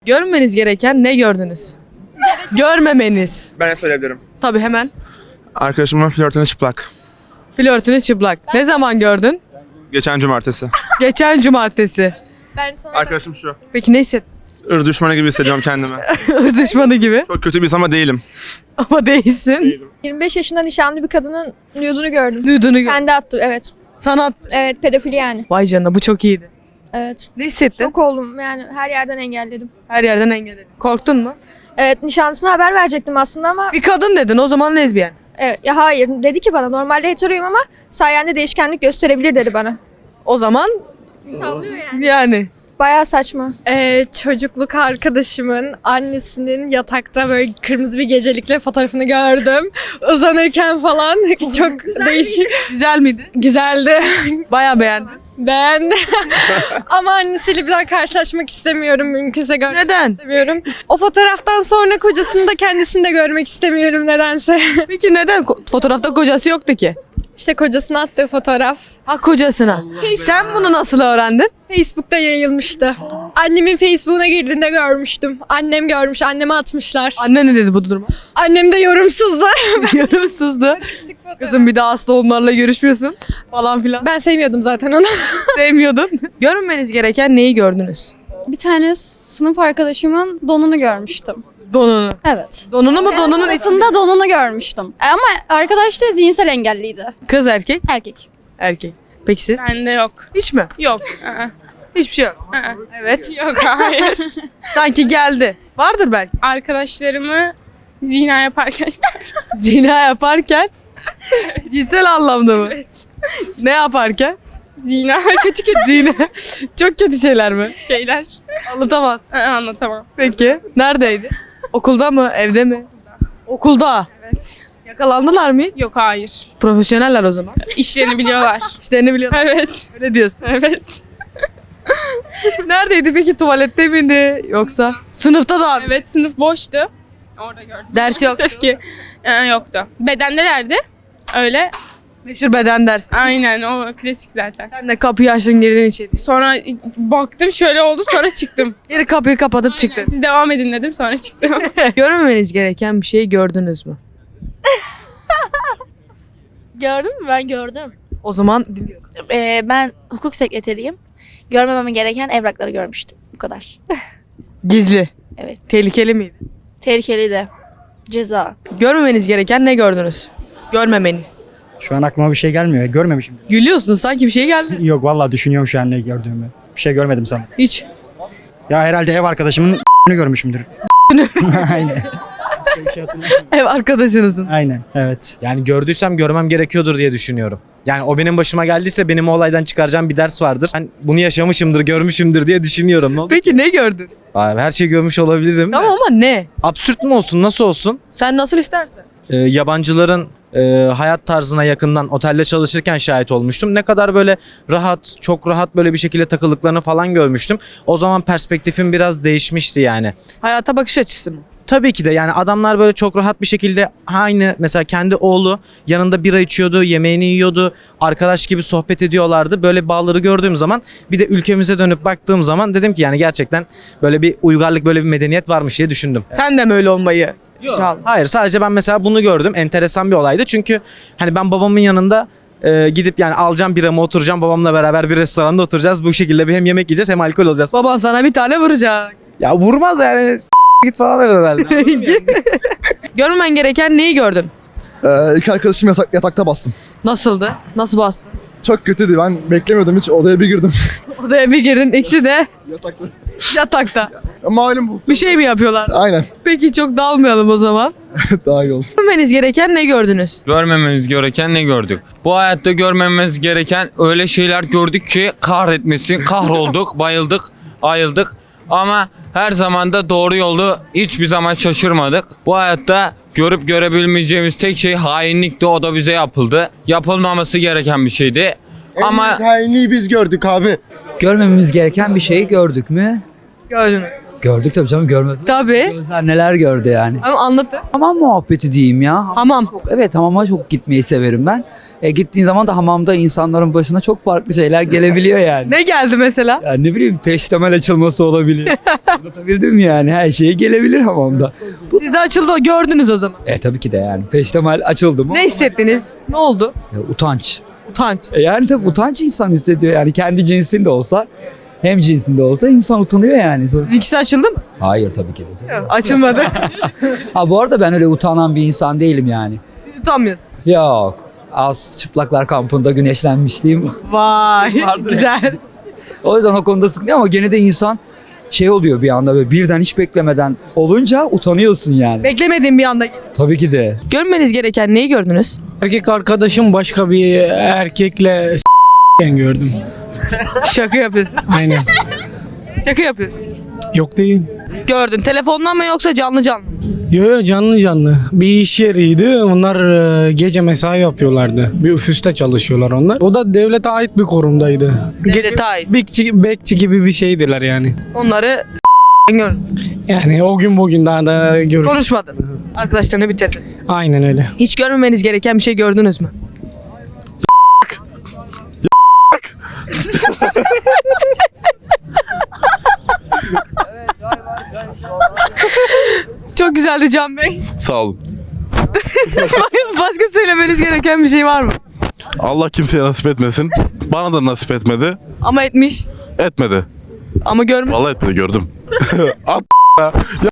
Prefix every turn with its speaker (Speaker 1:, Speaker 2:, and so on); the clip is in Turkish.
Speaker 1: Görmeniz gereken ne gördünüz? Görmemeniz.
Speaker 2: Ben de söyleyebilirim.
Speaker 1: Tabii hemen.
Speaker 2: Arkadaşımın flörtünü çıplak.
Speaker 1: Flörtünü çıplak. Ne zaman gördün?
Speaker 2: Geçen cumartesi.
Speaker 1: Geçen cumartesi.
Speaker 3: Ben sonra
Speaker 2: Arkadaşım şu.
Speaker 1: Peki ne hissettin?
Speaker 2: Irz düşmanı gibi hissediyorum kendimi.
Speaker 1: Irz düşmanı gibi.
Speaker 2: Çok kötü bir insan ama değilim.
Speaker 1: Ama değilsin.
Speaker 3: 25 yaşında nişanlı bir kadının nude'unu gördüm.
Speaker 1: Nude'unu gör.
Speaker 3: Kendi attı, evet.
Speaker 1: Sanat.
Speaker 3: Evet, pedofili yani.
Speaker 1: Vay canına bu çok iyiydi.
Speaker 3: Evet.
Speaker 1: Ne hissettin?
Speaker 3: Çok oldum yani, her yerden engelledim.
Speaker 1: Her yerden engelledin. Korktun mu?
Speaker 3: Evet, nişanlısına haber verecektim aslında ama
Speaker 1: Bir kadın dedin o zaman lezbiyen.
Speaker 3: evet, ya hayır dedi ki bana normalde heteroyum ama sayende değişkenlik gösterebilir dedi bana.
Speaker 1: O zaman
Speaker 3: Sallıyor yani.
Speaker 1: yani.
Speaker 3: Bayağı saçma.
Speaker 4: Çocukluk arkadaşımın annesinin yatakta böyle kırmızı bir gecelikle fotoğrafını gördüm. Uzanırken falan çok değişik.
Speaker 1: Güzel miydi?
Speaker 4: Güzeldi.
Speaker 1: Bayağı beğendim.
Speaker 4: Beğendim. Ama annesiyle bir daha karşılaşmak istemiyorum. Mümkünse görmek
Speaker 1: Neden?
Speaker 4: istemiyorum. O fotoğraftan sonra kocasını da kendisini de görmek istemiyorum nedense.
Speaker 1: Peki neden? Fotoğrafta kocası yoktu ki.
Speaker 4: İşte kocasına attığı fotoğraf
Speaker 1: Ha kocasına. Sen bunu nasıl öğrendin?
Speaker 4: Facebook'ta yayılmıştı. Annemin Facebook'una girdiğinde görmüştüm. Annem görmüş, anneme atmışlar.
Speaker 1: Anne ne dedi bu duruma?
Speaker 4: Annem de yorumsuzdu.
Speaker 1: Yarımsızdı. Kızım bir daha hasta onlarla görüşmüyorsun falan filan.
Speaker 4: Ben sevmiyordum zaten onu.
Speaker 1: Sevmiyordun. Görünmeniz gereken neyi gördünüz?
Speaker 5: Bir tane sınıf arkadaşımın donunu görmüştüm.
Speaker 1: Donunu.
Speaker 5: Evet.
Speaker 1: Donunu mu donunun içinde?
Speaker 5: Sınıfında donunu görmüştüm. Ama arkadaş da zihinsel engelliydi.
Speaker 1: Kız erkek?
Speaker 5: Erkek.
Speaker 1: Erkek. Peki siz?
Speaker 4: Bende yok.
Speaker 1: Hiç mi?
Speaker 4: Yok.
Speaker 1: Hiçbir şey yok. Evet.
Speaker 4: Yok hayır.
Speaker 1: Sanki geldi. Vardır belki.
Speaker 4: Arkadaşlarımı zina yaparken
Speaker 1: Zina yaparken. Cinsel anlamda mı?
Speaker 4: evet.
Speaker 1: Ne yaparken?
Speaker 4: Zina kötü kötü
Speaker 1: Zina. Çok kötü şeyler mi?
Speaker 4: şeyler.
Speaker 1: Anlatamaz.
Speaker 4: Anlatamam.
Speaker 1: Peki. Neredeydi? Okulda mı? Evde mi? Okulda.
Speaker 4: Evet.
Speaker 1: Yakalandılar mı hiç?
Speaker 4: Yok hayır.
Speaker 1: Profesyoneller o zaman.
Speaker 4: İşlerini biliyorlar.
Speaker 1: İşlerini biliyorlar.
Speaker 4: Evet.
Speaker 1: Öyle diyorsun.
Speaker 4: Evet.
Speaker 1: Neredeydi peki? Tuvalette miydi? Yoksa? Sınıfta da abi.
Speaker 4: Evet sınıf boştu. Orada gördüm.
Speaker 1: Ders yok.
Speaker 4: Maalesef ki yoktu. Bedendelerdi. Öyle.
Speaker 1: Meşhur beden dersi.
Speaker 4: Aynen o klasik zaten.
Speaker 1: Sen de kapıyı açtın girdin içeri.
Speaker 4: Sonra baktım şöyle oldu sonra çıktım.
Speaker 1: Geri kapıyı kapatıp çıktın.
Speaker 4: Siz devam edin dedim sonra çıktım.
Speaker 1: Görmemeniz gereken bir şeyi gördünüz mü?
Speaker 6: Gördün mü? Ben gördüm.
Speaker 1: O zaman dinliyoruz.
Speaker 6: Ben hukuk sekreteriyim. Görmemem gereken evrakları görmüştüm. Bu kadar.
Speaker 1: Gizli.
Speaker 6: Evet.
Speaker 1: Tehlikeli miydi?
Speaker 6: Tehlikeli de. Ceza.
Speaker 1: Görmemeniz gereken ne gördünüz? Görmemeniz.
Speaker 7: Şu an aklıma bir şey gelmiyor. Görmemişim.
Speaker 1: Gülüyorsunuz sanki bir şey geldi.
Speaker 7: Yok vallahi düşünüyorum şu an ne gördüğümü. Bir şey görmedim sanırım.
Speaker 1: Hiç.
Speaker 7: Ya herhalde ev arkadaşımın görmüşümdür. Aynen. Başka bir şey hatırlamıyorum.
Speaker 1: Ev arkadaşınızın.
Speaker 7: Aynen evet.
Speaker 8: Yani gördüysem görmem gerekiyordur diye düşünüyorum. Yani o benim başıma geldiyse benim o olaydan çıkaracağım bir ders vardır. Ben bunu yaşamışımdır, görmüşümdür diye düşünüyorum. Ne oldu?
Speaker 1: Peki ne gördün?
Speaker 8: Abi, her şeyi görmüş olabilirim.
Speaker 1: Tamam ama ne?
Speaker 8: Absürt mü olsun, nasıl olsun?
Speaker 1: Sen nasıl istersen.
Speaker 8: Yabancıların hayat tarzına yakından otelde çalışırken şahit olmuştum. Ne kadar böyle rahat, çok rahat böyle bir şekilde takıldıklarını falan görmüştüm. O zaman perspektifim biraz değişmişti yani.
Speaker 1: Hayata bakış açısı mı?
Speaker 8: Tabii ki de yani adamlar böyle çok rahat bir şekilde aynı mesela kendi oğlu yanında bira içiyordu, yemeğini yiyordu, arkadaş gibi sohbet ediyorlardı. Böyle bağları gördüğüm zaman bir de ülkemize dönüp baktığım zaman dedim ki yani gerçekten böyle bir uygarlık, böyle bir medeniyet varmış diye düşündüm.
Speaker 1: Sen de mi öyle olmayı? İnşallah.
Speaker 8: Hayır, sadece ben mesela bunu gördüm. Enteresan bir olaydı çünkü hani ben babamın yanında gidip yani alacağım biramı, oturacağım babamla beraber bir restoranda oturacağız. Bu şekilde bir hem yemek yiyeceğiz hem alkol olacağız.
Speaker 1: Baban sana bir tane vuracak.
Speaker 8: Ya vurmaz yani git falan herhalde.
Speaker 1: Görmemen gereken neyi gördün?
Speaker 9: İki arkadaşım yatakta bastım.
Speaker 1: Nasıldı? Nasıl bastın?
Speaker 9: Çok kötüydü. Ben beklemiyordum hiç. Odaya bir girdim.
Speaker 1: Odaya bir girdin. İkisi de
Speaker 9: Yatakta.
Speaker 1: yatakta.
Speaker 9: Malum bulsun.
Speaker 1: Bir şey mi yapıyorlar?
Speaker 9: Aynen.
Speaker 1: Peki çok dalmayalım o zaman.
Speaker 9: Daha iyi olur.
Speaker 1: Görmeniz gereken ne gördünüz?
Speaker 10: Görmememiz gereken ne gördük? Bu hayatta görmememiz gereken öyle şeyler gördük ki kahretmesin. Kahrolduk, bayıldık, ayıldık. Ama her zaman da doğru yolu hiçbir zaman şaşırmadık. Bu hayatta görüp görebilmeyeceğimiz tek şey hainlikti. O da bize yapıldı. Yapılmaması gereken bir şeydi. Ama
Speaker 9: Hainliği biz gördük abi.
Speaker 11: Görmememiz gereken bir şeyi gördük mü?
Speaker 1: Gördünüz.
Speaker 11: Gördük tabii canım, görmedim.
Speaker 1: Tabii.
Speaker 11: Gözler neler gördü yani.
Speaker 1: Ama anlatın.
Speaker 11: Hamam muhabbeti diyeyim ya.
Speaker 1: Hamam.
Speaker 11: Evet, hamama çok gitmeyi severim ben. Gittiğin zaman da hamamda insanların başına çok farklı şeyler gelebiliyor yani.
Speaker 1: Ne geldi mesela?
Speaker 11: Yani ne bileyim, peştemal açılması olabilir. Anlatabildim mi yani? Her şey gelebilir hamamda.
Speaker 1: Sizde açıldı, gördünüz o zaman.
Speaker 11: Tabii ki de yani. Peştemal açıldı mı?
Speaker 1: Ne hissettiniz? Ne oldu?
Speaker 11: Utanç.
Speaker 1: Utanç.
Speaker 11: Yani tabii utanç insan hissediyor yani. Kendi cinsinde olsa, hem cinsinde olsa insan utanıyor yani.
Speaker 1: Sizinkisi açıldı mı?
Speaker 11: Hayır, tabii ki de.
Speaker 1: Açılmadı.
Speaker 11: Ha, bu arada ben öyle utanan bir insan değilim yani.
Speaker 1: Siz utanmıyorsunuz.
Speaker 11: Yok. Az çıplaklar kampında güneşlenmişliğim.
Speaker 1: Vay. Güzel.
Speaker 11: O yüzden o konuda sıkıntı ama gene de insan şey oluyor bir anda, böyle birden hiç beklemeden olunca utanıyorsun yani.
Speaker 1: Beklemediğim bir anda.
Speaker 11: Tabii ki de.
Speaker 1: Görmeniz gereken neyi gördünüz?
Speaker 12: Erkek arkadaşım başka bir erkekle gördüm.
Speaker 1: Şaka yapıyorsun.
Speaker 12: Aynen.
Speaker 1: Şaka yapıyorsun.
Speaker 12: Yok değil.
Speaker 1: Gördün. Telefondan mı yoksa canlı canlı?
Speaker 12: Yo canlı canlı. Bir iş yeriydi. Onlar gece mesai yapıyorlardı. Bir ofiste çalışıyorlar onlar. O da devlete ait bir kurumdaydı.
Speaker 1: Devlete ait.
Speaker 12: Bekçi gibi bir şeydiler yani.
Speaker 1: Onları gördün.
Speaker 12: Yani o gün bugün daha da görüş.
Speaker 1: Konuşmadın. Arkadaşlarını bitirdin.
Speaker 12: Aynen öyle.
Speaker 1: Hiç görmemeniz gereken bir şey gördünüz mü? Çok güzeldi Can Bey.
Speaker 13: Sağ olun.
Speaker 1: Başka söylemeniz gereken bir şey var mı?
Speaker 13: Allah kimseye nasip etmesin. Bana da nasip etmedi.
Speaker 1: Ama etmiş.
Speaker 13: Etmedi.
Speaker 1: Ama görmüş.
Speaker 13: Vallahi etmedi, gördüm. At ya.